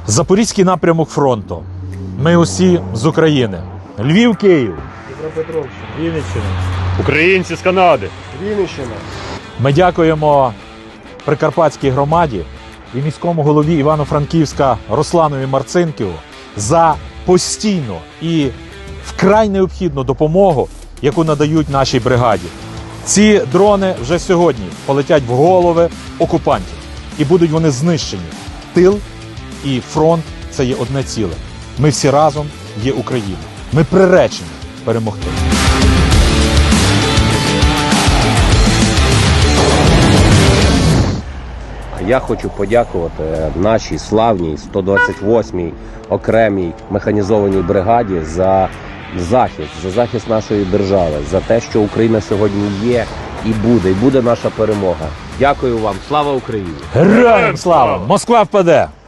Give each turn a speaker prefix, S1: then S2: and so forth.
S1: Запорізький напрямок фронту. Ми усі з України. Львів, Київ.
S2: Дніпропетровщина.
S1: Вінниччина.
S3: Українці з Канади.
S2: Вінниччина.
S1: Ми дякуємо Прикарпатській громаді і міському голові Івано-Франківська Русланові Марцинківу за постійну і вкрай необхідну допомогу, яку надають нашій бригаді. Ці дрони вже сьогодні полетять в голови окупантів. І будуть вони знищені. Тил і фронт – це є одне ціле. Ми всі разом є Україна. Ми приречені перемогти.
S4: Я хочу подякувати нашій славній 128-й окремій механізованій бригаді за захист нашої держави, за те, що Україна сьогодні є і буде наша перемога. Дякую вам. Слава Україні!
S1: Героям слава! Москва впаде!